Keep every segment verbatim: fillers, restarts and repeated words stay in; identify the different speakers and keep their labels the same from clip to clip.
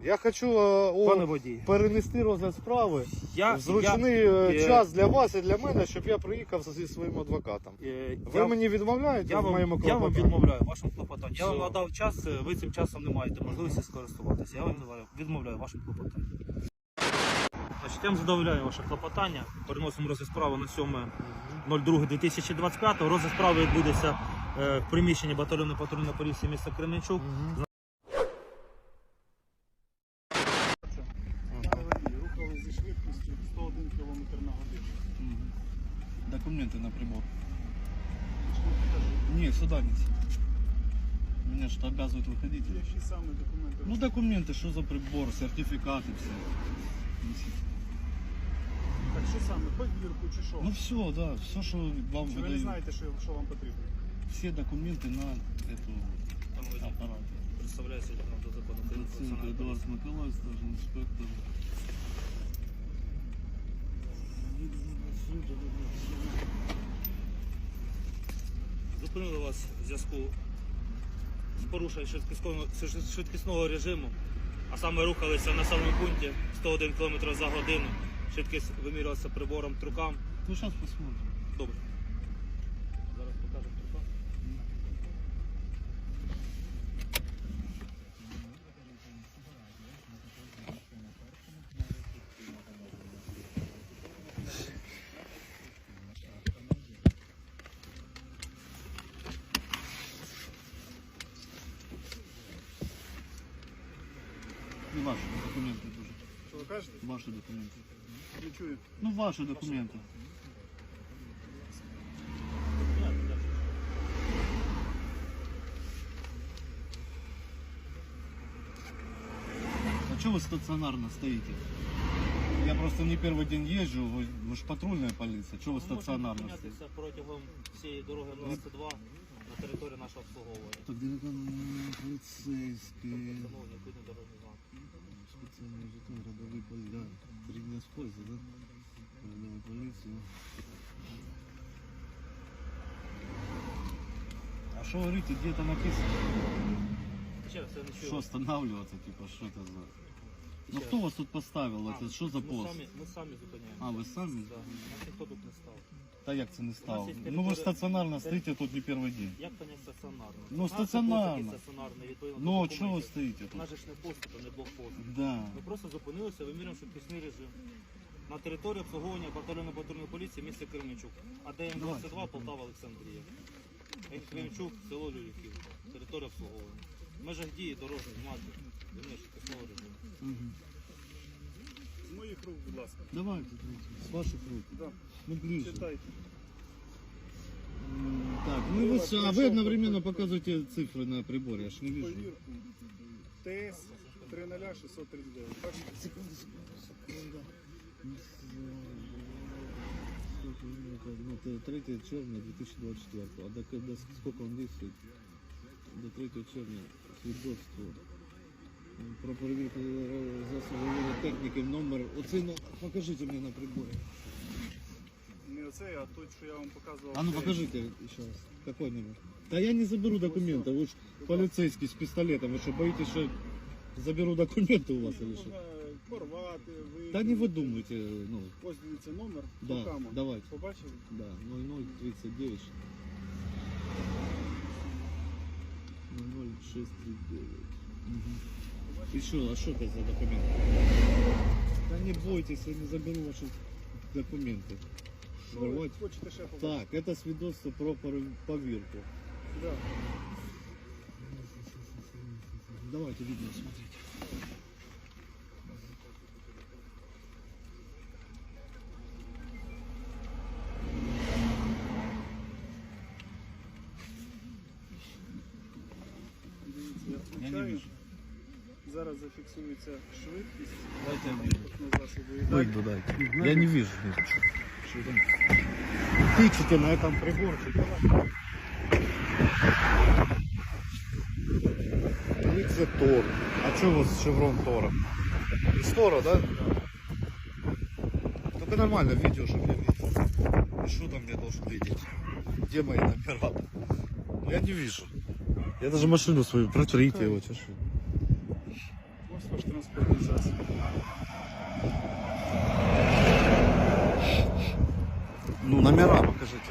Speaker 1: Я хочу е,
Speaker 2: Пане
Speaker 1: о,
Speaker 2: водій.
Speaker 1: перенести розгляд справи
Speaker 2: Я,
Speaker 1: в зручний
Speaker 2: я,
Speaker 1: е,
Speaker 2: е,
Speaker 1: час для вас і для мене, щоб я приїхав зі своїм адвокатом.
Speaker 2: е,
Speaker 1: Ви
Speaker 2: я,
Speaker 1: мені відмовляєте
Speaker 2: я,
Speaker 1: в
Speaker 2: вам,
Speaker 1: моєму
Speaker 2: я вам
Speaker 1: клопотанні?
Speaker 2: відмовляю вашим клопотанням. Я вам
Speaker 1: Все.
Speaker 2: надав час, е, ви цим часом не маєте можливості скористуватися. Я вам відмовляю- відмовляю вашим клопотанням. Значить, я вам задовольняю ваше клопотання. Переносимо розгляд справи на сьоме друге дві тисячі двадцять п'ятого. Розгляд справи відбудеться е, в приміщенні батальйону патрульної поліції міста Кременчук.
Speaker 1: Мгм.
Speaker 3: Рухали зі швидкістю сто один кілометр на годину.
Speaker 4: Документы на прибор. Не, сюда неси. Меня что обязывают выходить.
Speaker 3: Які саме документи?
Speaker 4: Ну документы, что за прибор, сертификаты все. Неси.
Speaker 3: Так що саме? Повірку чи що?
Speaker 4: Ну все, да, все, что вам
Speaker 3: Чи ви не
Speaker 4: выдают.
Speaker 3: знаєте, що, що вам потрібно?
Speaker 4: Все документы на эту
Speaker 2: Там водій
Speaker 4: аппарат.
Speaker 2: представляється до закону України про
Speaker 4: Доценко
Speaker 2: національну
Speaker 4: Эдуард Николаевич, даже инспектор.
Speaker 2: Зупинили вас в зв'язку з порушенням швидкісного, швидкісного режиму, а саме рухалися на населеному пункті сто один км за годину. Швидкість вимірювалася прибором трукам.
Speaker 4: Ну сейчас посмотрим.
Speaker 2: Добре. Зараз покажемо трукам.
Speaker 4: И ваши документы тоже.
Speaker 3: Що ви кажете?
Speaker 4: Ваши документы.
Speaker 3: Не чую.
Speaker 4: Ну ваши документы. А что вы стационарно стоите? Я просто не первый день езжу, вы, вы же патрульная полиция. Что вы стационарно стоите?
Speaker 2: Зупинятися протягом всієї дороги двадцять два на території нашого обслуговування.
Speaker 4: Так далеко полицейские.
Speaker 2: Встановлені відповідні дорожні знаки.
Speaker 4: Специальный жетон, родовой полиция. Да, три дня с пользы, да? Родовой полиции. А что говорите, где это написано?
Speaker 2: Ще раз, я не чую.
Speaker 4: Что останавливаться, типа, что это за... Ну
Speaker 2: Ще
Speaker 4: кто
Speaker 2: раз.
Speaker 4: вас тут поставил?
Speaker 2: А,
Speaker 4: Это что за
Speaker 2: ми
Speaker 4: пост?
Speaker 2: самі- Ми самі зупиняємо.
Speaker 4: А, ви самі?
Speaker 2: Да. Нас ніхто тут не став.
Speaker 4: Да як це не стало?
Speaker 2: є
Speaker 4: Ну ви
Speaker 2: територія-
Speaker 4: ж стаціонарно стоїте тут не перший день.
Speaker 2: Як понять стаціонарно?
Speaker 4: Ну,
Speaker 2: У нас
Speaker 4: стаціонарно.
Speaker 2: є посаді стаціонарний, відповідно до
Speaker 4: Ну а чого ви
Speaker 2: документів.
Speaker 4: стоїте
Speaker 2: У
Speaker 4: тут?
Speaker 2: нас же ж не пост, а не блокпост.
Speaker 4: Да.
Speaker 2: Ми просто зупинилися, вимірюємо швидкісний режим. На території обслуговування батальйону патрульної поліції міста Кременчук. АДМ двадцять два, Полтава, Олександрія. Кременчук, село Люльків. Територія обслуговування. В межах дії дорожніх знаків. Вимір швидкісного режиму.
Speaker 4: Угу.
Speaker 3: З моїх рук, будь ласка.
Speaker 4: Давайте, давайте. С ваших рук.
Speaker 3: Да.
Speaker 4: Ну ближе.
Speaker 3: Читайте.
Speaker 4: М, Так, ну вы, с- а вы одновременно показываете цифры на приборе, я ж не вижу.
Speaker 3: Повірку. ТС три нуль шістсот тридцять дев'ять. Бачите?
Speaker 4: Секунду, секунду, секунду. Ну, это третье червня две тысячи двадцать четвёртого. А до, до сколько он действует? До третьего червня свідоцтво. Про перевірку засобів техніки номер. Оцей номер покажіть мені на приборі.
Speaker 3: Не оцей, а той, що я вам показував.
Speaker 4: А ну
Speaker 3: цей.
Speaker 4: покажите еще раз. Какой номер? Да я не заберу документы. Вы же полицейский с пистолетом. Вы что, боитесь, что заберу документы у вас или что?
Speaker 3: Можна порвати, ви...
Speaker 4: Да не вы думайте. Ну,
Speaker 3: Ось дивіться номер.
Speaker 4: да,
Speaker 3: руками.
Speaker 4: давайте.
Speaker 3: Побачили?
Speaker 4: Да, ноль ноль тридцать девять. ноль ноль шесть тридцать девять. Угу. И что, а что это за документы? Да не бойтесь, я не заберу ваши документы.
Speaker 3: Що ви
Speaker 4: Ворвать.
Speaker 3: хочете ще побачити?
Speaker 4: Так, это свидетельство про пор- поверку.
Speaker 3: Да.
Speaker 4: Давайте видео смотреть.
Speaker 3: Дивіться, я
Speaker 4: Я не
Speaker 3: включаю.
Speaker 4: вижу.
Speaker 3: Зараз зафіксується швидкість.
Speaker 4: Дайте я
Speaker 3: Транспортного засобу. І так,
Speaker 4: Выйду, дайте. Я не вижу ничего.
Speaker 1: Что там? Тычите на этом приборчике. Це Тор. А что у вас шеврон Тора? Из Тора, да? Только нормально видео, чтобы я видел. И что там я должен видеть? Где мои номера? Я не вижу. Я даже машину свою, протрите его, чешу.
Speaker 3: ось ваш транспортний засіб.
Speaker 1: Ну, номера покажите.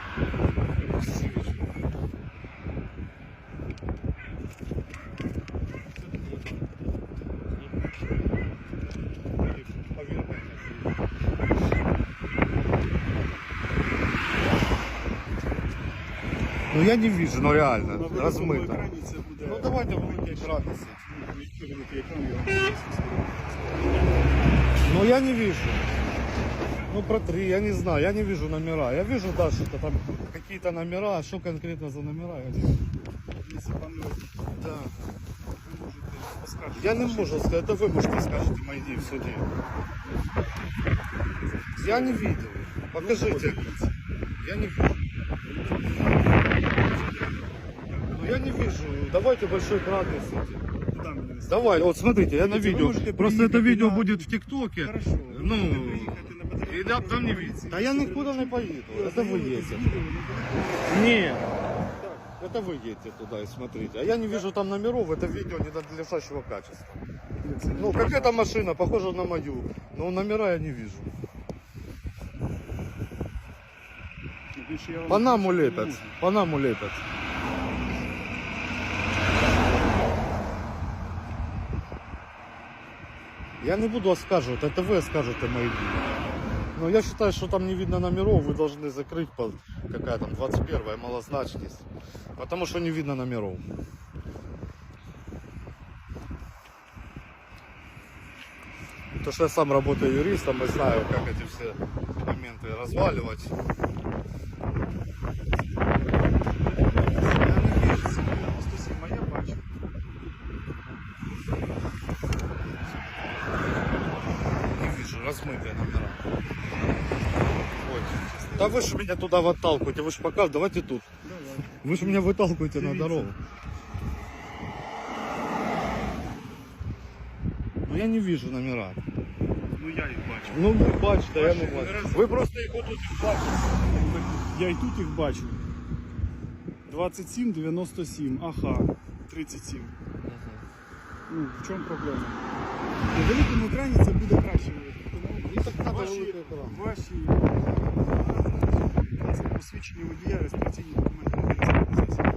Speaker 1: Ну я не вижу, ну реально,
Speaker 3: На великому
Speaker 1: размыто.
Speaker 3: екрані це буде...
Speaker 1: Ну давайте великий екран несіть.
Speaker 3: Який великий екран, я вам поясню.
Speaker 1: Ну я не вижу. Ну протри, я не знаю, я не вижу номера. Я вижу, да, что-то там какие-то номера, а что конкретно за номера, я не вижу.
Speaker 3: Якщо вам не
Speaker 1: Да.
Speaker 3: ви можете поскаржити.
Speaker 1: Я не могу сказать, это вы можете скажете мои в суде. Я не видел. Покажите. Я не вижу. Ну я не вижу. Давайте большой экран несите.
Speaker 3: Куди мені нести?
Speaker 1: Давай, вот смотрите, я на
Speaker 3: Смотрите, вы
Speaker 1: видео.
Speaker 3: можете
Speaker 1: Просто это
Speaker 3: приехать
Speaker 1: видео
Speaker 3: на-
Speaker 1: будет в ТикТоке.
Speaker 3: Хорошо. Ви
Speaker 1: Ну,
Speaker 3: можете приїхати на батальйон
Speaker 1: и да, там не видно.
Speaker 3: поліції,
Speaker 1: Да я
Speaker 3: всі
Speaker 1: никуда не
Speaker 3: речі.
Speaker 1: поеду.
Speaker 3: І
Speaker 1: Это вы
Speaker 3: ознайомитись з
Speaker 1: едете.
Speaker 3: відео, не буде.
Speaker 1: Нет. Это вы едете туда и смотрите. А я не вижу там номеров, это видео ненадлежащего качества.
Speaker 3: Це не
Speaker 1: Ну, какая-то машина, похожа на мою. Но номера я не вижу.
Speaker 3: Більше я вам
Speaker 1: По нам
Speaker 3: не
Speaker 1: улепят.
Speaker 3: можу.
Speaker 1: По нам улепят. Я не буду оскарживать, это вы оскажете мои видео. Но я считаю, что там не видно номеров, вы должны закрыть по какая там двадцать первая малозначность. Потому что не видно номеров. То, что я сам работаю юристом и знаю, как эти все моменты разваливать.
Speaker 3: дев'яносто сім, а я бачу.
Speaker 1: Не вижу, размытые номера. Вот. Да вы же меня туда выталкиваете, вы же пока, давайте тут.
Speaker 3: Давай.
Speaker 1: Вы же меня выталкиваете на
Speaker 3: Дивіться.
Speaker 1: дорогу. Ну я не вижу номера.
Speaker 3: Ну я їх бачу.
Speaker 1: Ну ви бачите, я не
Speaker 3: Бачите,
Speaker 1: бачу.
Speaker 3: раз-
Speaker 1: Ви просто їх отут бачите.
Speaker 3: Я і тут їх бачу. двадцять сім дев'яносто сім, ага, тридцять сім. Ну, в чому проблема? На великому екрані це буде краще видно.
Speaker 1: Ну, так треба
Speaker 3: Ваші,
Speaker 1: великий екран.
Speaker 3: ваші це посвідчення водія, реєстраційні документи на транспортний засіб.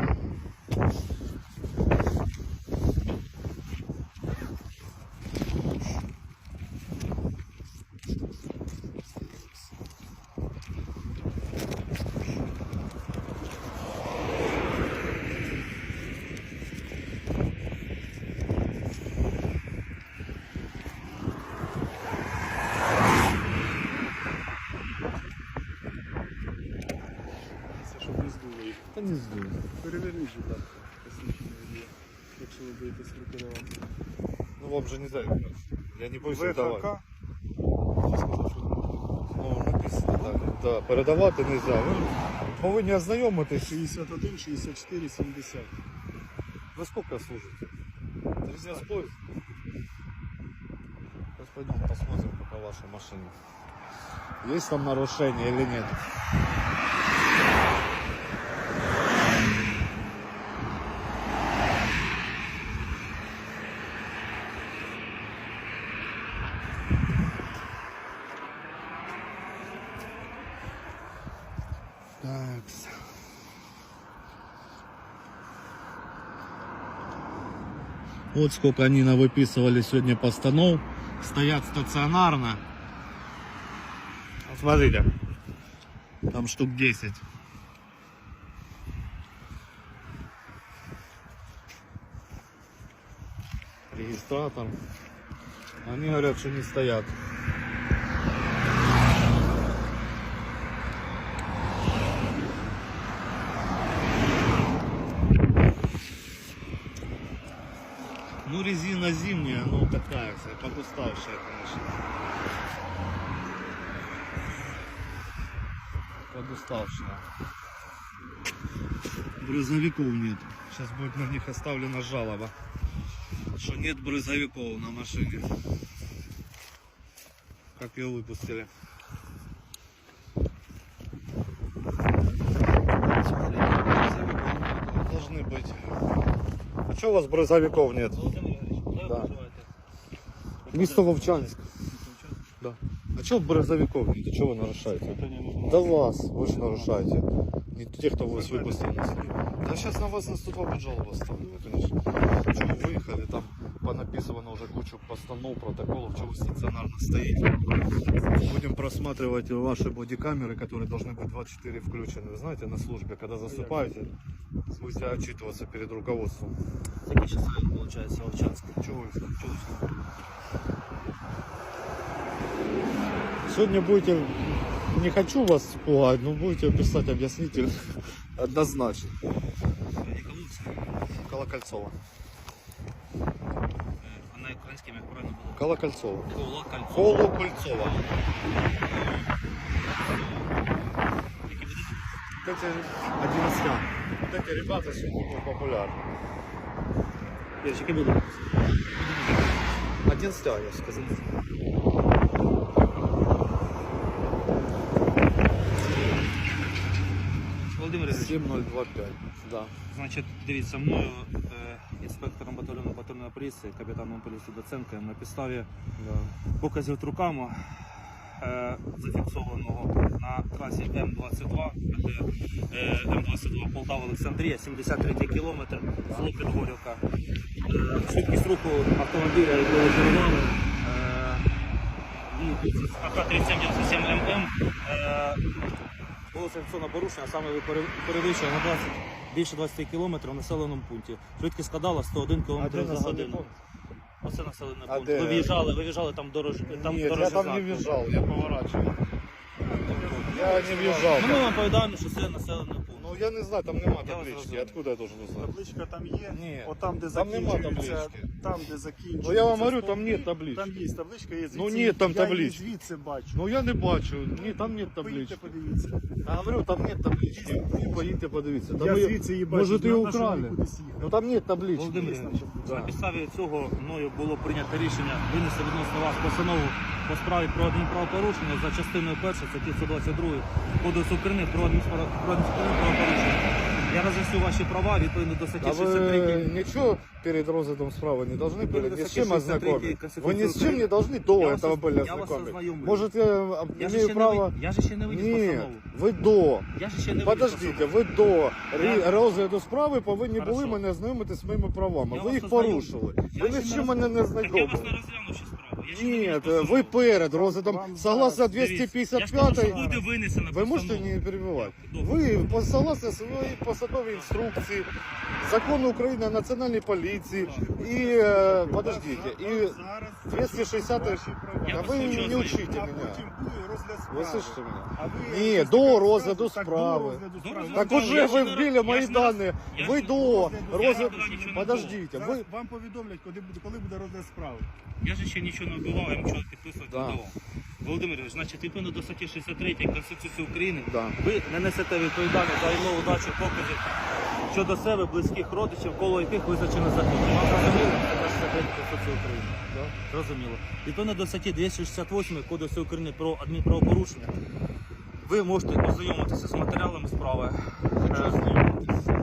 Speaker 3: Це щоб не здуло їх.
Speaker 1: Та не знаю.
Speaker 3: Переверніть, будь ласка, посвідчення водія, якщо ви будете скрупулювати.
Speaker 1: Ну вам же не знаю. Я не боюсь давати.
Speaker 3: ВХК. Хто сказав, що не можна?
Speaker 1: Ну написано, так. Да, передавати не можна. Ви повинні ознайомитись.
Speaker 3: шістдесят один, шістдесят чотири, сімдесят.
Speaker 1: Вы сколько служите? тридцать поезд. Сейчас пойдем посмотрим по вашей машине. Есть там нарушение или нет? Так. Вот сколько они навыписывали сегодня постанов. Стоят стационарно. Вот смотрите. Там штук десять. Регистратор. Они говорят, что не стоят. Ну, резина зимняя, ну такая вся, подуставшая, конечно. Подуставшая. Брызговиков нет. Сейчас будет на них оставлена жалоба, что нет брызговиков на машине. Как ее выпустили. Должны быть. А что у вас брызговиков нет?
Speaker 2: Володимир Ігорович, куди ви
Speaker 1: Да.
Speaker 2: проживаєте?
Speaker 1: Місто Вовчанськ. Да. А чого Березовиков нет? Чего вы нарушаете? Да вас, вы же нарушаете. Не те, кто вас выпустил. Да сейчас на вас наступает жалоба ставлю, конечно. Чего вы выехали, там понаписано уже кучу постанов, протоколов, чего вы стационарно стоите. Будем просматривать ваши бодикамеры, которые должны быть двадцать четыре включены. Вы знаете, на службе, когда засыпаете, будете отчитываться перед руководством.
Speaker 2: Такі часи, виходить, Вовчанськ.
Speaker 1: Чего вы?
Speaker 2: Чого ви?
Speaker 1: Сегодня будете, не хочу вас пугать, но будете писать объяснитель однозначно. Колокольцова.
Speaker 2: А на українському як правильно було?
Speaker 1: Колокольцова.
Speaker 2: Колокольцова.
Speaker 1: Колокольцова. Вот эти одиннадцать. Вот эти ребята сегодня популярны.
Speaker 2: Які будуть?
Speaker 1: одиннадцать, я сказал.
Speaker 2: Володимир Ігорович,
Speaker 1: семь ноль два пять. Да.
Speaker 2: значить, дивіться, мною, е, інспектором батальйону патрульної поліції, капітаном поліції Доценком, на підставі
Speaker 1: Да.
Speaker 2: показів труками, е, зафіксованого на трасі М двадцять два, де е, М двадцять два Полтава-Олександрія, сімдесят третій кілометр, село Підгорівка. Е, швидкість руху автомобіля, якого керували, е, і А К тридцять сім дев'яносто сім М М, е, було санкціонне порушення, а саме ви пере- перевищили на двадцять, більше двадцять кілометрів в населеному пункті. Швидкість складала сто один кілометр за годину. Оце населений
Speaker 1: А
Speaker 2: пункт.
Speaker 1: де?
Speaker 2: Ви в'їжджали, ви в'їжджали там дорож... там
Speaker 1: Нет, я
Speaker 2: дорожній
Speaker 1: там
Speaker 2: знак
Speaker 1: не
Speaker 2: був.
Speaker 1: въезжал, я поворачивал. Я не въезжал.
Speaker 2: Ну, ми вам повідаємо, що це населений пункт.
Speaker 1: Ну я не знаю, там нема
Speaker 2: Я вас
Speaker 1: таблички.
Speaker 2: розумію.
Speaker 1: Откуда я должен узнать?
Speaker 3: Табличка там є,
Speaker 1: Ні.
Speaker 3: от там, де
Speaker 1: Там нема
Speaker 3: закінчується,
Speaker 1: таблички.
Speaker 3: там, де закінчується.
Speaker 1: Ну я вам говорю,
Speaker 3: стовп,
Speaker 1: там нет таблички.
Speaker 3: Там є табличка, є звідси.
Speaker 1: Ну, ні, там
Speaker 3: я
Speaker 1: таблички.
Speaker 3: її звідси бачу.
Speaker 1: Ну я не бачу. Ні, там нет
Speaker 3: Поїдьте,
Speaker 1: таблички.
Speaker 3: подивіться.
Speaker 1: Я говорю, там нет таблички. Поїдьте подивіться. Там
Speaker 3: Я
Speaker 1: її-
Speaker 3: звідси її бачу.
Speaker 1: Может, ее
Speaker 3: знав, що
Speaker 1: украли?
Speaker 3: мені кудись їхати.
Speaker 1: Ну там нет таблички.
Speaker 2: Володимир
Speaker 3: Є там
Speaker 2: Ігорович,
Speaker 3: табличка.
Speaker 2: на підставі цього мною було прийнято рішення винести відносно вас постанову по справі про адмінправопорушення за частиною першої статті сто двадцять два Кодексу України про адміністра- про адміністративне правопорушення. Я роз'ясню ваші права відповідно до статті
Speaker 1: А
Speaker 2: шістдесят три.
Speaker 1: вы ничего перед розыгрышем справа не должны были
Speaker 2: Вы
Speaker 1: ни с
Speaker 2: статьи
Speaker 1: чем ознакомить?
Speaker 2: шестьдесят три
Speaker 1: Вы ни с чем
Speaker 2: Конституции
Speaker 1: не должны до
Speaker 2: Я вас
Speaker 1: этого
Speaker 2: оз-
Speaker 1: были
Speaker 2: я вас
Speaker 1: ознакомить.
Speaker 2: ознайомлю.
Speaker 1: Может, я
Speaker 2: Я же,
Speaker 1: имею
Speaker 2: ще
Speaker 1: право...
Speaker 2: не, ви- я же ще не виніс
Speaker 1: Ні,
Speaker 2: постанову.
Speaker 1: ви до.
Speaker 2: Я же ще не виніс
Speaker 1: Подождите,
Speaker 2: постанову.
Speaker 1: ви до
Speaker 2: Я-
Speaker 1: рі- розгляду справи повинні
Speaker 2: Хорошо.
Speaker 1: були мене знайомити з моїми правами.
Speaker 2: Я
Speaker 1: Ви
Speaker 2: вас
Speaker 1: їх
Speaker 2: ознайомлю.
Speaker 1: порушили.
Speaker 2: Я
Speaker 1: Ви
Speaker 2: ще
Speaker 1: ні з
Speaker 2: не
Speaker 1: чим
Speaker 2: роз-
Speaker 1: мене не
Speaker 2: Так я вас не
Speaker 1: знайомили.
Speaker 2: розглянув ще справу. Я ще не
Speaker 1: Ні,
Speaker 2: виніс
Speaker 1: ви
Speaker 2: постанову.
Speaker 1: перед розглядом,
Speaker 3: Вам
Speaker 1: согласно
Speaker 3: зараз,
Speaker 2: Дивіться,
Speaker 1: двести пятьдесят
Speaker 2: я ж кажу, що
Speaker 1: пять,
Speaker 2: буде винесена
Speaker 1: ви можете
Speaker 2: постанова.
Speaker 1: не перебивати.
Speaker 2: Добре.
Speaker 1: Ви по- согласно своїй посадовій інструкції, закону України о національній поліції і, е, подождите, і
Speaker 3: Зараз
Speaker 1: двести шестьдесят,
Speaker 3: ваші права.
Speaker 2: Я
Speaker 1: а
Speaker 2: вас
Speaker 1: ви
Speaker 2: хочу
Speaker 1: не
Speaker 2: ознайомити.
Speaker 1: учите
Speaker 3: А
Speaker 1: мене.
Speaker 3: потім буде розгляд
Speaker 1: Ви
Speaker 3: справи.
Speaker 1: слышите мене?
Speaker 3: А ви
Speaker 1: Ні,
Speaker 3: якось
Speaker 1: до
Speaker 3: таке
Speaker 1: розгляду
Speaker 3: розказуєте, так,
Speaker 1: справи.
Speaker 3: до розгляду
Speaker 2: До
Speaker 3: справи.
Speaker 2: розгляду
Speaker 1: Так
Speaker 2: справи.
Speaker 1: уже
Speaker 2: Я
Speaker 1: ви
Speaker 2: ж не
Speaker 1: вбили
Speaker 2: роз-
Speaker 1: мої
Speaker 2: я ж не роз-
Speaker 1: дані.
Speaker 2: я
Speaker 1: Ви
Speaker 2: ж не
Speaker 1: до
Speaker 2: розгляду
Speaker 1: розгляду.
Speaker 2: справи нічого не
Speaker 1: Подождите,
Speaker 3: Зараз
Speaker 1: ви.
Speaker 3: вам повідомлять, коли буде, коли буде розгляд справи.
Speaker 2: Я же ще нічого не вбивав, я нічого підписувати
Speaker 1: Да.
Speaker 2: не давав. Володимир Ігорович, значить, відповідно до статті шістдесят три Конституції України,
Speaker 1: Да.
Speaker 2: ви не несете відповідальність за відмову дачі показів щодо себе, близьких родичів, коло яких визначено законом. Вам зрозуміло? Це шістдесят три Конституції України. Зрозуміло. Відповідно до статті двісті шістдесят вісім Кодексу України про адмінправопорушення, ви можете ознайомитися з матеріалами справи. Е,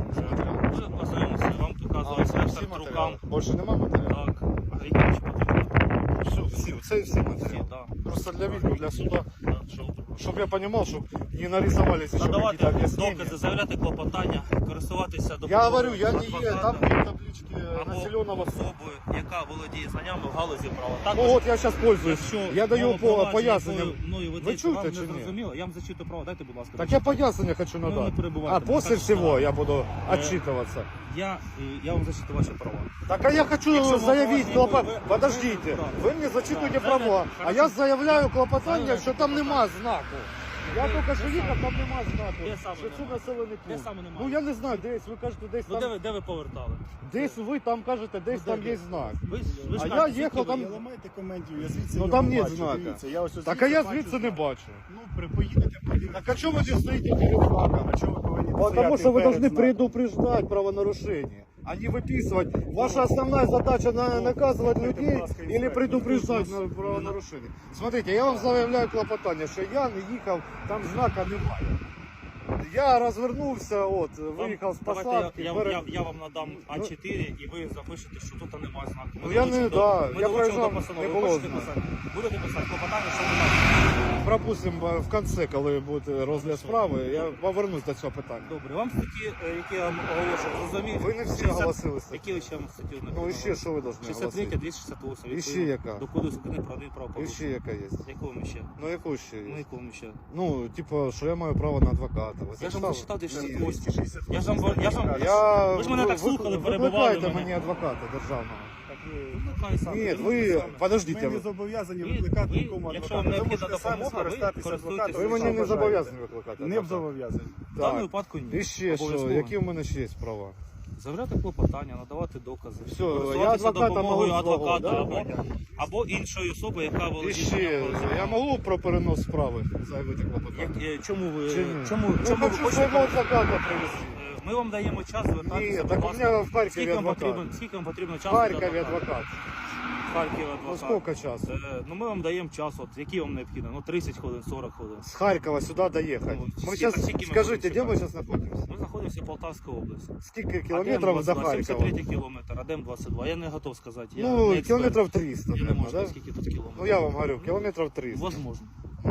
Speaker 2: Вже ознайомитися, вам показував
Speaker 1: А,
Speaker 2: інспектор
Speaker 1: всі
Speaker 2: рукам.
Speaker 1: матеріали. Більше нема матеріалів?
Speaker 2: Так, а які ще потрібні?
Speaker 1: Все, всі, це всі
Speaker 2: Всі,
Speaker 1: матеріали.
Speaker 2: так.
Speaker 1: Просто для відео, для суда,
Speaker 2: Да, що?
Speaker 1: щоб я розумів, щоб не нарисовались еще
Speaker 2: Надавати
Speaker 1: какие-то объяснения.
Speaker 2: докази, заявляти клопотання, користуватися
Speaker 1: Я
Speaker 2: допомогою
Speaker 1: говорю, я не є, там
Speaker 2: адвоката
Speaker 1: нет таблички
Speaker 2: або
Speaker 1: населенного пункта.
Speaker 2: особою, яка володіє знаннями в галузі права. Також,
Speaker 1: Ну от я зараз пользуюсь,
Speaker 2: якщо
Speaker 1: я даю
Speaker 2: мова
Speaker 1: по
Speaker 2: провадження,
Speaker 1: пояснення.
Speaker 2: якою мною
Speaker 1: Ви
Speaker 2: ведеться,
Speaker 1: чуєте
Speaker 2: вам
Speaker 1: чи
Speaker 2: не
Speaker 1: ні?
Speaker 2: зрозуміло, я вам зачитую право, дайте, будь ласка.
Speaker 1: Так я пояснення хочу
Speaker 2: Ну, не
Speaker 1: надати.
Speaker 2: перебивайте,
Speaker 1: А
Speaker 2: не
Speaker 1: после
Speaker 2: кажете,
Speaker 1: всего
Speaker 2: що-
Speaker 1: я буду
Speaker 2: Е,
Speaker 1: отчитываться.
Speaker 2: Я, е, я вам зачитую ваші права.
Speaker 1: Так а я хочу
Speaker 2: Якщо
Speaker 1: заявить
Speaker 2: ви-
Speaker 1: клопот...
Speaker 2: ви- ви-
Speaker 1: Подождите,
Speaker 2: ви-
Speaker 1: вы мне зачитуєте
Speaker 2: Так,
Speaker 1: права,
Speaker 2: заявляйте.
Speaker 1: а
Speaker 2: Хорошо.
Speaker 1: я заявляю клопотання,
Speaker 2: Заявляйте
Speaker 1: що там нема знаку. Я
Speaker 2: Де-
Speaker 1: тільки що
Speaker 2: де
Speaker 1: їхав,
Speaker 2: саме?
Speaker 1: там нема знаку.
Speaker 2: Де саме
Speaker 1: Що це
Speaker 2: немає?
Speaker 1: населений
Speaker 2: Де
Speaker 1: пункт.
Speaker 2: саме немає?
Speaker 1: Ну я не знаю, десь, ви кажете, десь
Speaker 2: Ну, де
Speaker 1: там,
Speaker 2: ви, де ви повертали?
Speaker 1: десь ви там кажете, десь
Speaker 2: Ну,
Speaker 1: там
Speaker 2: де
Speaker 1: є
Speaker 2: ви?
Speaker 1: знак.
Speaker 2: Ви, ж- ви ж
Speaker 1: А я
Speaker 2: кажете,
Speaker 1: їхав
Speaker 2: звідки ви
Speaker 1: там-
Speaker 2: є?
Speaker 3: Не ламайте коментів, я звідси
Speaker 1: Ну,
Speaker 3: його
Speaker 1: там нет
Speaker 3: бачу,
Speaker 1: знака.
Speaker 3: дивіться, я ось
Speaker 1: Так а
Speaker 3: звідси
Speaker 1: я
Speaker 3: бачу
Speaker 1: звідси не
Speaker 3: знак.
Speaker 1: бачу.
Speaker 3: Ну, при, поїдете, подивіться.
Speaker 1: Так а чому ви не стоїте перед знаком?
Speaker 3: А чого ви повинні
Speaker 1: Потому
Speaker 3: стояти
Speaker 1: что вы
Speaker 3: перед
Speaker 1: должны
Speaker 3: знаком?
Speaker 1: предупреждать правонарушение, а не выписывать. Ваша основная задача на, наказывать людей или предупреждать на правонарушение. Смотрите, я вам заявляю клопотання, що я не їхав, там знака немає. Я розвернувся, от, виїхав з
Speaker 2: Давайте
Speaker 1: посадки.
Speaker 2: я, я,
Speaker 1: перед-
Speaker 2: я, я вам надам А чотири і ви запишете, що тут немає знаку. Ми
Speaker 1: Ну, я не-
Speaker 2: долучимо до-
Speaker 1: да,
Speaker 2: ми
Speaker 1: я
Speaker 2: долучимо
Speaker 1: проїжджав,
Speaker 2: до постанови.
Speaker 1: не
Speaker 2: Ви
Speaker 1: було
Speaker 2: хочете
Speaker 1: знаку.
Speaker 2: писати? Будете писати клопотання, що немає.
Speaker 1: Пропустимо в кінці, коли буде розгляд справи, я повернусь до цього питання.
Speaker 2: Добре, вам статті, е, які я вам оголошую, зрозумієте?
Speaker 1: Ви не всі
Speaker 2: шістдесят
Speaker 1: оголосилися.
Speaker 2: Які ви ще вам статті не
Speaker 1: Ну і ще що ви повинні
Speaker 2: шістдесят три,
Speaker 1: оголосити?
Speaker 2: двісті шістдесят вісім.
Speaker 1: І ще
Speaker 2: відповідно
Speaker 1: яка?
Speaker 2: До Кодексу України про
Speaker 1: І ще
Speaker 2: адмінправопорушення.
Speaker 1: яка є?
Speaker 2: Якому ще?
Speaker 1: Ну яку ще
Speaker 2: Ну
Speaker 1: є?
Speaker 2: якому ще?
Speaker 1: Ну, типу, що я маю право на адвоката. Ви
Speaker 2: Я ж
Speaker 1: зачитали?
Speaker 2: вам зачитав двісті
Speaker 3: Ні,
Speaker 2: шістдесят вісім.
Speaker 3: двісті шістдесят
Speaker 2: Я ж вам, я ж вам,
Speaker 1: Я...
Speaker 2: Ви ж мене так слухали, перебивали
Speaker 1: Викликайте
Speaker 2: мене.
Speaker 1: мені адвоката державного.
Speaker 3: Так ви-
Speaker 2: Викликай сам.
Speaker 1: Ні,
Speaker 2: Ну,
Speaker 1: ви,
Speaker 3: Ми
Speaker 1: подождіть,
Speaker 3: не зобов'язані
Speaker 2: Ви-
Speaker 3: викликати
Speaker 2: ви,
Speaker 3: нікому
Speaker 2: якщо
Speaker 3: адвоката.
Speaker 2: вам
Speaker 3: Ви
Speaker 2: необхідна
Speaker 3: можете самі
Speaker 2: допомога, ви
Speaker 3: скористатися
Speaker 2: користуєтесь
Speaker 3: адвокатом.
Speaker 1: ви мені
Speaker 3: що
Speaker 1: не
Speaker 3: бажаєте.
Speaker 1: зобов'язані викликати
Speaker 3: Не
Speaker 1: адвоката.
Speaker 3: зобов'язані.
Speaker 2: В даному
Speaker 1: Так.
Speaker 2: випадку ні.
Speaker 1: І ще що,
Speaker 2: Обов'язково.
Speaker 1: які в мене ще є права?
Speaker 2: Заявляти клопотання, надавати докази.
Speaker 1: Все,
Speaker 2: Користуватися
Speaker 1: я адвоката
Speaker 2: допомогою
Speaker 1: можу свого,
Speaker 2: адвоката
Speaker 1: да?
Speaker 2: або, або іншої особи, яка
Speaker 1: І
Speaker 2: володіє.
Speaker 1: ще,
Speaker 2: законом.
Speaker 1: я можу про перенос справи заявити клопотання?
Speaker 2: Як- е, Чому ви,
Speaker 1: Чи ні?
Speaker 2: чому,
Speaker 1: Я
Speaker 2: чому ви
Speaker 1: хочу
Speaker 2: хочете?
Speaker 1: свого адвоката привезти.
Speaker 2: Е, Ми вам даємо час звертатися.
Speaker 1: Ні,
Speaker 2: будь
Speaker 1: так у
Speaker 2: ласка.
Speaker 1: мене в Харкові
Speaker 2: Скільки вам
Speaker 1: адвокат.
Speaker 2: потрібно, скільки вам потрібно
Speaker 1: В
Speaker 2: часу?
Speaker 1: Харкові
Speaker 2: для адвоката?
Speaker 1: адвокат.
Speaker 2: В Харкові
Speaker 1: Ну
Speaker 2: адвокат.
Speaker 1: скільки часу?
Speaker 2: Е, Ну ми вам даємо час, от який вам необхідно? Ну тридцять хвилин, сорок хвилин.
Speaker 1: С Харькова сюда доехать.
Speaker 2: Ну,
Speaker 1: Мы
Speaker 2: сколько-
Speaker 1: сейчас,
Speaker 2: сколько мы
Speaker 1: скажите,
Speaker 2: будем
Speaker 1: где мы
Speaker 2: чекать?
Speaker 1: сейчас находимся?
Speaker 2: Ми знаходимося в Полтавській області.
Speaker 1: Сколько километров до Харькова?
Speaker 2: сімдесят третій кілометр, а Дем двадцять два. Я не готов сказати. Я не
Speaker 1: Ну,
Speaker 2: експерт.
Speaker 1: километров триста,
Speaker 2: Я не
Speaker 1: наверное,
Speaker 2: можу
Speaker 1: да?
Speaker 2: сказати, скільки тут кілометрів.
Speaker 1: Ну, я вам говорю, километров триста.
Speaker 2: Возможно.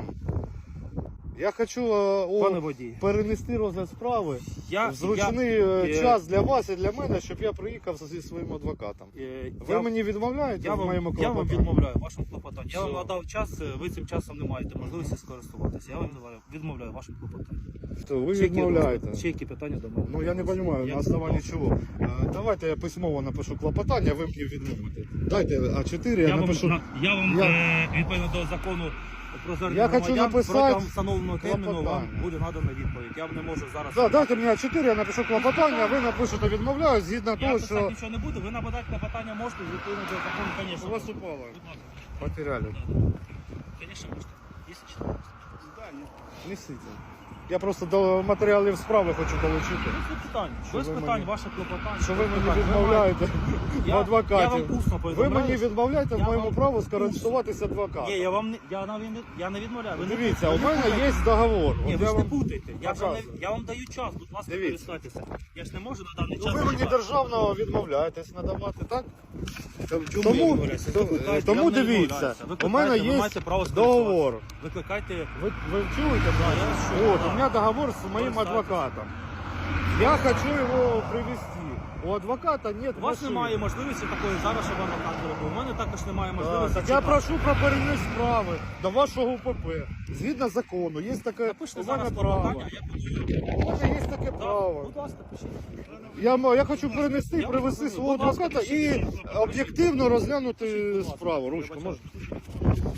Speaker 1: Я хочу е,
Speaker 2: Пане
Speaker 1: о,
Speaker 2: водій.
Speaker 1: перенести розгляд справи
Speaker 2: Я,
Speaker 1: в зручний
Speaker 2: я,
Speaker 1: е,
Speaker 2: е,
Speaker 1: час для вас і для мене, щоб я приїхав зі своїм адвокатом.
Speaker 2: е,
Speaker 1: Ви
Speaker 2: я,
Speaker 1: мені відмовляєте
Speaker 2: я,
Speaker 1: в
Speaker 2: вам,
Speaker 1: моєму
Speaker 2: я вам
Speaker 1: клопотанні?
Speaker 2: відмовляю в вашому клопотанні. Я вам
Speaker 1: Все.
Speaker 2: надав час, е, ви цим часом не маєте можливості скористуватися. Я вам відмовляю- відмовляю в вашому клопотанні.
Speaker 1: Що, ви
Speaker 2: Ще які-
Speaker 1: відмовляєте?
Speaker 2: Ще які питання до мене?
Speaker 1: Ну я не розумію,
Speaker 2: Я-
Speaker 1: на основанні чого. Е, Давайте я письмово напишу клопотання, ви мені відмовите. Дайте А чотири, я,
Speaker 2: Я вам,
Speaker 1: напишу.
Speaker 2: на- я вам
Speaker 1: Я-
Speaker 2: е, відповідно до закону про звернення
Speaker 1: Я хочу
Speaker 2: громадян
Speaker 1: написати
Speaker 2: протягом встановленого терміну вам
Speaker 1: клопотання.
Speaker 2: буде надана відповідь. Я вам не можу зараз.
Speaker 1: Да, дайте мені А чотири, я напишу клопотання, а ви напишете відмовляю, згідно
Speaker 2: Я
Speaker 1: того,
Speaker 2: писати
Speaker 1: що
Speaker 2: нічого не буду, ви нападати клопотання можете, відповідно до закону, звісно.
Speaker 1: у вас упало.
Speaker 2: Будь ласка.
Speaker 1: Потеряли.
Speaker 2: Звісно, можете. Якщо читаєте.
Speaker 3: Да, ні.
Speaker 1: Несите. Я просто до матеріалів справи хочу долучити.
Speaker 2: Без питань.
Speaker 1: Що
Speaker 2: Без
Speaker 1: ви
Speaker 2: питань,
Speaker 1: мені-
Speaker 2: ваше клопотання.
Speaker 1: Що ви
Speaker 2: без
Speaker 1: мені
Speaker 2: питань.
Speaker 1: відмовляєте в
Speaker 2: Я- Я
Speaker 1: адвокаті.
Speaker 2: вам усно
Speaker 1: Ви
Speaker 2: повідомляю.
Speaker 1: мені відмовляєте в
Speaker 2: Я
Speaker 1: моєму
Speaker 2: вам
Speaker 1: праву
Speaker 2: усно.
Speaker 1: скористуватися адвокатом.
Speaker 2: Ні, я вам не, я, навіть не, я не відмовляю. Ви не-
Speaker 1: Дивіться,
Speaker 2: ви
Speaker 1: у
Speaker 2: не
Speaker 1: мене
Speaker 2: путайте.
Speaker 1: є договор.
Speaker 2: Ні,
Speaker 1: От
Speaker 2: ви
Speaker 1: я
Speaker 2: ж не
Speaker 1: вам-
Speaker 2: путайте. Я, ж вам не-
Speaker 1: Показую.
Speaker 2: я вам даю час, будь ласка,
Speaker 1: Дивіться.
Speaker 2: користуйтеся. Я ж не можу на даний час.
Speaker 1: Ну, ви мені
Speaker 2: зачекати.
Speaker 1: державного відмовляєтесь надавати, так?
Speaker 2: Чому я
Speaker 1: Тому,
Speaker 2: відмовляюся?
Speaker 1: то-
Speaker 2: Викликайте,
Speaker 1: тому
Speaker 2: я не
Speaker 1: дивіться,
Speaker 2: відмовляюся.
Speaker 1: у
Speaker 2: Викликайте,
Speaker 1: мене
Speaker 2: ви
Speaker 1: є
Speaker 2: маєте право
Speaker 1: договор.
Speaker 2: скористуватися. Викликайте.
Speaker 1: Ви, ви чуєте?
Speaker 2: Да, я вас чую,
Speaker 1: От,
Speaker 2: да.
Speaker 1: у мене договор з моїм
Speaker 2: Користайтесь.
Speaker 1: адвокатом. Я хочу його привезти. У адвоката нет
Speaker 2: У вас
Speaker 1: машини.
Speaker 2: немає можливості такої зараз, щоб вам наказувати. У мене також немає
Speaker 1: Так,
Speaker 2: можливості.
Speaker 1: так я
Speaker 2: чекати.
Speaker 1: прошу про переніс справи до вашого УПП. Згідно закону, є таке
Speaker 2: Напишіть
Speaker 1: у мене
Speaker 2: зараз
Speaker 1: право.
Speaker 2: клопотання, я буду.
Speaker 1: У мене є таке
Speaker 2: Да,
Speaker 1: право.
Speaker 2: будь ласка, пишіть.
Speaker 1: Я, м- я хочу перенести,
Speaker 2: Я
Speaker 1: привезти
Speaker 2: вам
Speaker 1: свого
Speaker 2: будь ласка,
Speaker 1: адвоката
Speaker 2: пишіть,
Speaker 1: і
Speaker 2: будь ласка,
Speaker 1: об'єктивно розглянути
Speaker 2: Пишіть, будь ласка.
Speaker 1: справу. Ручку
Speaker 2: Вибачаю.
Speaker 1: можна?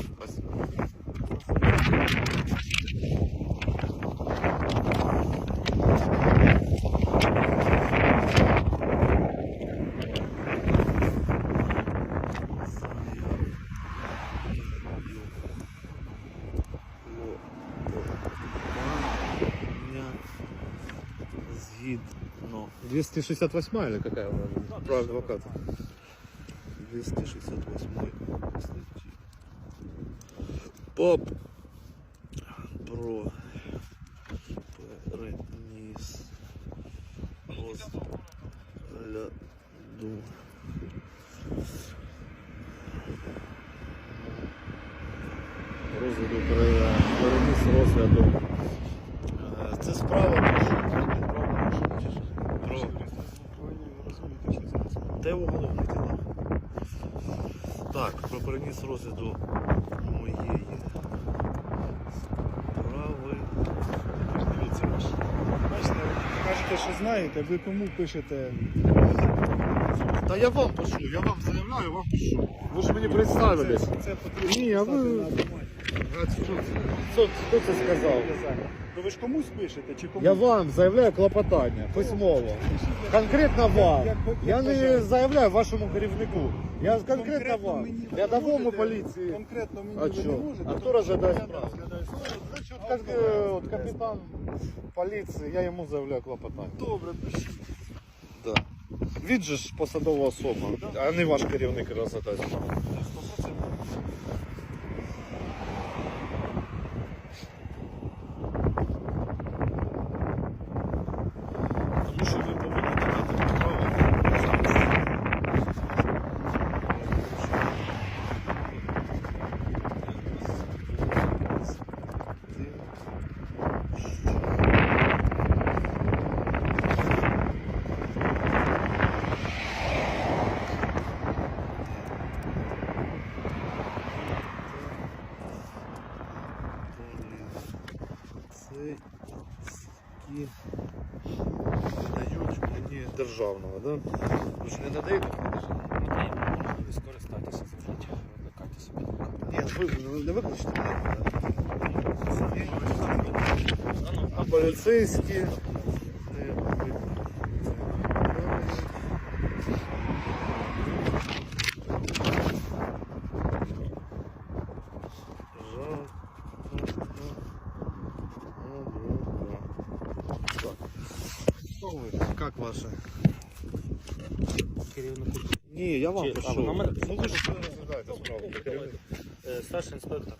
Speaker 4: Згідно
Speaker 1: двести шестьдесят восьмая или какая у вас? Про адвоката.
Speaker 4: двісті шістдесят восьмої статті. ПАП про переніс розгляду
Speaker 1: Розгляду пере- переніс розгляду. Е, Це справа про що? Про
Speaker 4: Те уголовне діло. Так, про переніс розгляду моєї справи. Дивіться ваш.
Speaker 3: Бачите, кажете, що знаєте, ви кому пишете?
Speaker 1: Та я вам пишу, я вам заявляю, вам пишу. Ви ж мені представились.
Speaker 3: Це, це потрібно
Speaker 1: Ні, а
Speaker 3: писати
Speaker 1: ви-
Speaker 3: на бумагі.
Speaker 1: А Хто, хто, хто це сказав?
Speaker 3: Ну ви ж комусь пишете, чи комусь?
Speaker 1: Я вам заявляю клопотання письмово. Конкретно вам. Я не заявляю вашому керівнику. Я конкретно вам.
Speaker 3: мені ви
Speaker 1: Рядовому
Speaker 3: можете,
Speaker 1: поліції.
Speaker 3: Конкретно мені
Speaker 1: А
Speaker 3: ви не
Speaker 1: що?
Speaker 3: можете.
Speaker 1: А хто
Speaker 3: тому
Speaker 1: розглядає
Speaker 3: що я
Speaker 1: справу?
Speaker 3: не розглядаю справу.
Speaker 1: Значить, от, как, е, от капітан поліції, я йому заявляю клопотання.
Speaker 3: Добре, пишіть.
Speaker 1: Да. Він же ж посадова особа, а не ваш керівник розглядає справу.
Speaker 3: сто процентів.
Speaker 1: державного, да? Ви ж не надаєте?
Speaker 2: Надаємо можливість скористатися звичайно, викликайте собі.
Speaker 1: Ні, ви не виключите мене,
Speaker 2: А ну,
Speaker 1: а поліцейські. Как ваше?
Speaker 2: керівнику.
Speaker 1: Ні, я вам
Speaker 2: Чи-
Speaker 1: пишу.
Speaker 2: а, ви на мене?
Speaker 1: Ну ви ж розглядаєте справу.
Speaker 2: Е, Старший інспектор.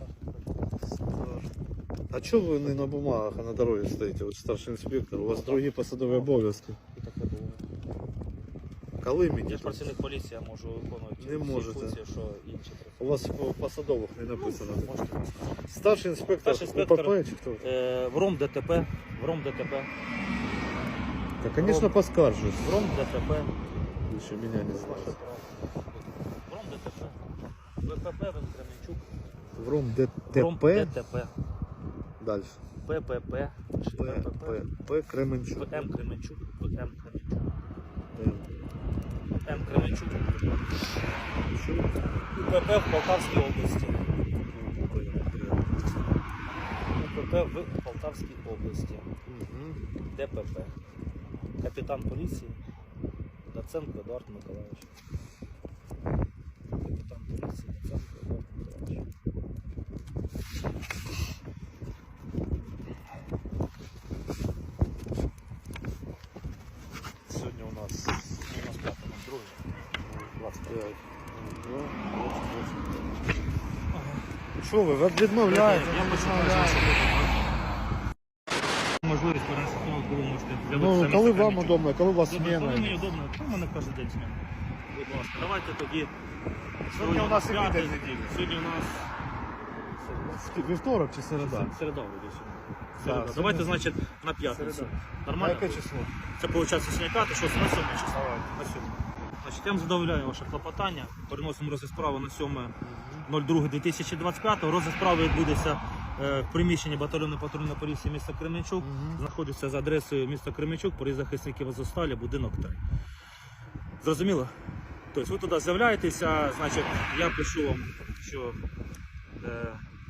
Speaker 1: А чого ви не на бумагах, а на дорозі стоїте? Ви ж старший інспектор, у вас другі посадові обов'язки.
Speaker 2: І таке було.
Speaker 1: Коли мені?
Speaker 2: Я ж працівник поліції, я можу виконувати
Speaker 1: Не
Speaker 2: всі
Speaker 1: можете.
Speaker 2: функції, що інші.
Speaker 1: У вас по посадових не написано.
Speaker 2: Можете.
Speaker 1: Старший інспектор,
Speaker 2: Старший інспектор.
Speaker 1: УПП чи хто?
Speaker 2: Е, В РОМ ДТП. В РОМ ДТП.
Speaker 1: Та, конечно, поскаржусь.
Speaker 2: В РОМ ДТП.
Speaker 1: Ви ще мене не знаєте.
Speaker 2: В РОМ ДТП. ВПП, Вен Кременчук.
Speaker 1: В РОМ
Speaker 2: В РОМ
Speaker 1: ДТП.
Speaker 2: ДТП.
Speaker 1: Далі.
Speaker 2: ППП. чи
Speaker 1: П, П, П, Кременчук.
Speaker 2: ВМ Кременчук. ВМ Кременчук.
Speaker 1: М.
Speaker 2: М Кременчук. УПП в Полтавській області. УПП в Полтавській області.
Speaker 1: Мгм.
Speaker 2: ДПП. Капітан поліції Доценко Едуард Миколаївич. Капітан поліції Доценко Едуард Миколаївич.
Speaker 1: Сьогодні у нас
Speaker 2: У нас п'ятий, нам другий. двадцять п'ять.
Speaker 1: Що ви, ви відмовляєте?
Speaker 2: Я починаю. Можливість перенести, коли ви можете
Speaker 1: Ну, коли вам удобно, коли у вас
Speaker 2: Коли мені
Speaker 1: зміна.
Speaker 2: удобно, то в мене кожен день зміна. Будь ласка, давайте тоді.
Speaker 1: Сьогодні у нас і
Speaker 2: п'ятий,
Speaker 1: відео неділя.
Speaker 2: Сьогодні у нас
Speaker 1: Вівторок чи середа?
Speaker 2: середа вроде сьогодні.
Speaker 1: Да,
Speaker 2: Середа.
Speaker 1: сьогодні
Speaker 2: Давайте,
Speaker 1: середа.
Speaker 2: значить, на п'ятницю.
Speaker 1: Середа. А
Speaker 2: Нормально?
Speaker 1: яке число?
Speaker 2: Це виходить сьогодні що на сьоме число. На сьоме. Значить, я вам задовольняю ваше клопотання. Переносимо розгляд справи на сьоме друге дві тисячі двадцять п'ятого. Розгляд справи відбудеться е, в приміщенні батальйону патрульної поліції міста Кременчук.
Speaker 1: Мгм.
Speaker 2: Знаходиться за адресою міста Кременчук, проїзд захисників Азовсталі, будинок три. Зрозуміло? Тобто ви туди з'являєтеся, значить, я пишу вам, що е,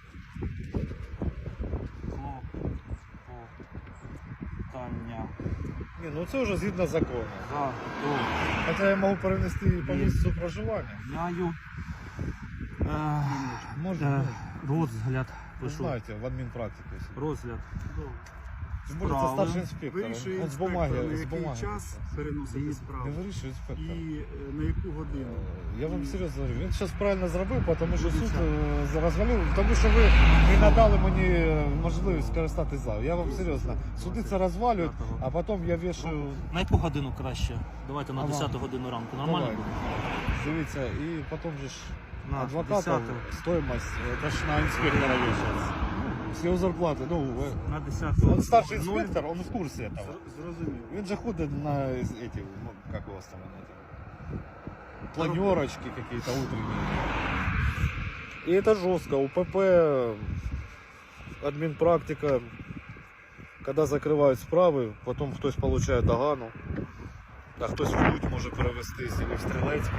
Speaker 2: клопотання
Speaker 1: Ні, ну це вже згідно закону.
Speaker 2: за
Speaker 1: Хоча я можу перенести по місцю проживання.
Speaker 2: довольняю. Е,
Speaker 1: Можна,
Speaker 2: е,
Speaker 1: ну,
Speaker 2: розгляд
Speaker 1: ви
Speaker 2: пишу.
Speaker 1: знаєте, в адмінпрактиці.
Speaker 2: Розгляд.
Speaker 1: Тим більше це
Speaker 2: Справи.
Speaker 1: старший інспектор.
Speaker 3: Вирішує
Speaker 1: Он з
Speaker 3: інспектор,
Speaker 1: бумаги,
Speaker 3: на
Speaker 1: з
Speaker 3: який
Speaker 1: бумаги.
Speaker 3: час переносити
Speaker 1: Не
Speaker 3: справу
Speaker 1: вирішує інспектор.
Speaker 3: і е, на яку годину.
Speaker 1: Я вам серйозно говорю, він зараз правильно зробив, тому що суд е, розвалив, тому що ви не надали мені е, можливість скористатися залом. Я вам серйозно, суди це розвалюють, а потім я вішаю,
Speaker 2: На яку годину краще? Давайте на
Speaker 1: Ага.
Speaker 2: десяту годину ранку. Нормально
Speaker 1: Давай.
Speaker 2: буде?
Speaker 1: дивіться, і потім же ж
Speaker 2: На
Speaker 1: адвоката,
Speaker 2: десяту.
Speaker 1: стоїмость, це ж на інспектора вішається. З його зарплати, ну, е,
Speaker 2: На десяту.
Speaker 1: он старший
Speaker 2: Нуль.
Speaker 1: інспектор, он в курсі этого.
Speaker 3: Зрозумів.
Speaker 1: Він же ходит на эти, ну, как у вас там, эти, планерочки какие-то утренние. И это жестко. У ПП админпрактика, когда закрывают справи, потом хтось получает догану, а хтось в Лють може перевестись, или в Стрілецький.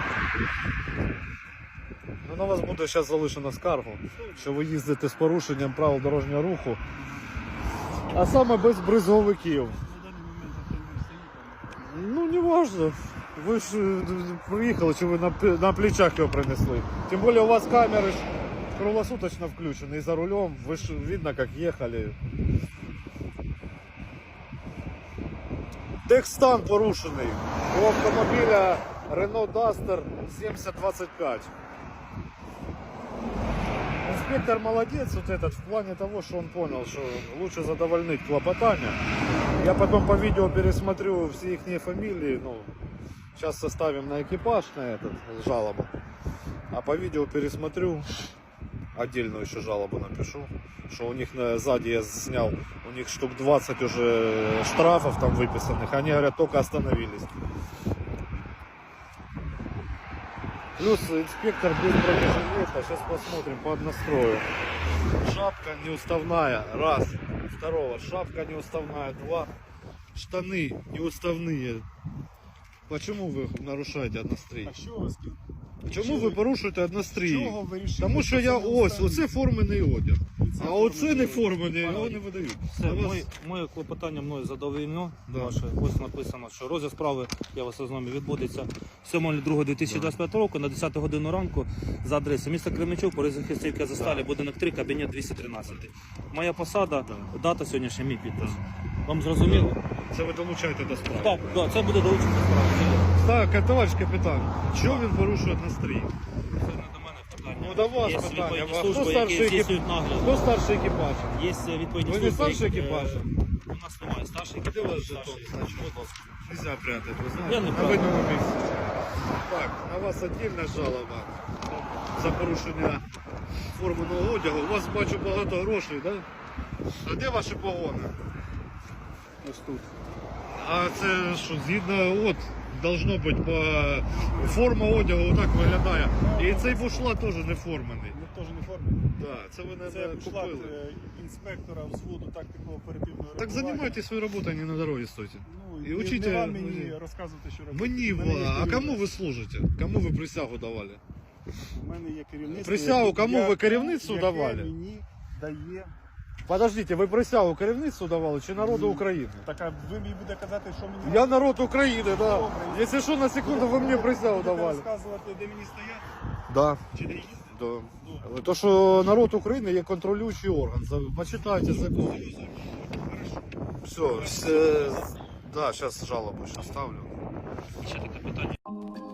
Speaker 1: Ну, на вас буде зараз залишено скаргу, що ви їздите з порушенням правил дорожнього руху, а саме без бризговиків.
Speaker 3: На даний момент автомобіль стоїть,
Speaker 1: Ну, не важно. Ви ж е, приїхали, чи ви на, пе- на плечах його принесли. Тим більше у вас камери ж круглосуточно включені. І за рулем ви ж видно, як їхали. Техстан порушений. У автомобіля Renault Duster сімдесят двадцять п'ять. Инспектор молодец вот этот в плане того, что он понял, что лучше задовольнить клопотание. Я потом по видео пересмотрю все их фамилии, ну, сейчас составим на экипаж на этот жалобу, а по видео пересмотрю, отдельную еще жалобу напишу, что у них на, сзади я снял, у них штук двадцать уже штрафов там выписанных, они говорят, только остановились. Плюс инспектор без бронежилета. Сейчас посмотрим под настрою. Шапка неуставная. Раз. Второго. Шапка неуставная. Два. штаны неуставные. Почему вы нарушаете однострій?
Speaker 3: А що у вас?
Speaker 1: Чому ви порушуєте однострій?
Speaker 3: Чого ви рішили?
Speaker 1: Тому що я
Speaker 3: це
Speaker 1: ось,
Speaker 3: останнє?
Speaker 1: оце формений одяг.
Speaker 3: Це
Speaker 1: А оце не
Speaker 3: формений
Speaker 1: формений,
Speaker 3: одяг.
Speaker 1: його не видають.
Speaker 2: Все,
Speaker 1: А вас-
Speaker 2: моє, моє клопотання мною задовольнено.
Speaker 1: Да.
Speaker 2: Ваше, ось написано, що розгляд справи, я вас ознайомлю, відбудеться сьомого другого дві тисячі двадцять п'ятого року на десяту годину ранку за адресою міста Кременчук, Борисовська Засталі, будинок три, кабінет двісті тринадцять. Моя посада, дата сьогоднішня, мій підпис. Вам зрозуміло?
Speaker 1: Це ви долучаєте до справи.
Speaker 2: Так, да, це буде долучено до справи.
Speaker 1: Так, товариш капітан, чого він порушує однострій?
Speaker 2: Це не до мене питання.
Speaker 1: Ну, до вас
Speaker 2: Є
Speaker 1: питання.
Speaker 2: відповідні
Speaker 1: А хто
Speaker 2: служби,
Speaker 1: старший
Speaker 2: які
Speaker 1: екіп-
Speaker 2: здійснюють нагляд.
Speaker 1: Хто старший екіпаж?
Speaker 2: Є відповідні
Speaker 1: Ви
Speaker 2: служби,
Speaker 1: не старший
Speaker 2: які, е,
Speaker 1: екіпаж?
Speaker 2: У нас немає старших
Speaker 1: Де у вас
Speaker 2: екіпажів.
Speaker 1: жетон?
Speaker 2: старших.
Speaker 1: Значить,
Speaker 2: Будь ласка.
Speaker 1: Нельзя прятать, ви
Speaker 2: Я
Speaker 1: знаєте?
Speaker 2: не
Speaker 1: На
Speaker 2: прятаю.
Speaker 1: видному місці. Так, на вас отдельна жалоба за порушення форменого одягу. У вас, бачу, багато грошей, так? Да? А де ваші погони?
Speaker 3: Ось тут.
Speaker 1: А це що, згідно, от, должно бути, по форма одягу отак виглядає. І цей бушлат теж не формений.
Speaker 3: Ми теж не формені.
Speaker 1: Да, це ви не
Speaker 3: Це шлат
Speaker 1: купили.
Speaker 3: е, інспектора взводу тактико-оперативного
Speaker 1: Так займайтесь своєю роботою, а не на дорозі стойте.
Speaker 3: Ну,
Speaker 1: І
Speaker 3: і
Speaker 1: учите-
Speaker 3: не вам мені розказувати, що робити.
Speaker 1: Мені,
Speaker 3: У мене є
Speaker 1: а кому
Speaker 3: керівництво.
Speaker 1: ви служите? Кому ви присягу давали?
Speaker 3: У мене є керівництво.
Speaker 1: Присягу
Speaker 3: яке-
Speaker 1: кому ви
Speaker 3: яке-
Speaker 1: керівництву
Speaker 3: яке
Speaker 1: давали?
Speaker 3: мені дає.
Speaker 1: Подождите, ви присягу керівництву давали чи народу України?
Speaker 3: Так, а ви мені будете казати, що мені
Speaker 1: Я народ України, да.
Speaker 3: Добре.
Speaker 1: Якщо що, на секунду ви мені присягу
Speaker 3: будете
Speaker 1: давали.
Speaker 3: розказувати, де мені стояти,
Speaker 1: Да.
Speaker 3: чи де їздити?
Speaker 1: Да. То, що народ України є контролюючий орган. За- Почитайте закон. Все, все. Да, зараз жалобу ще ставлю.
Speaker 2: Ще таке питання.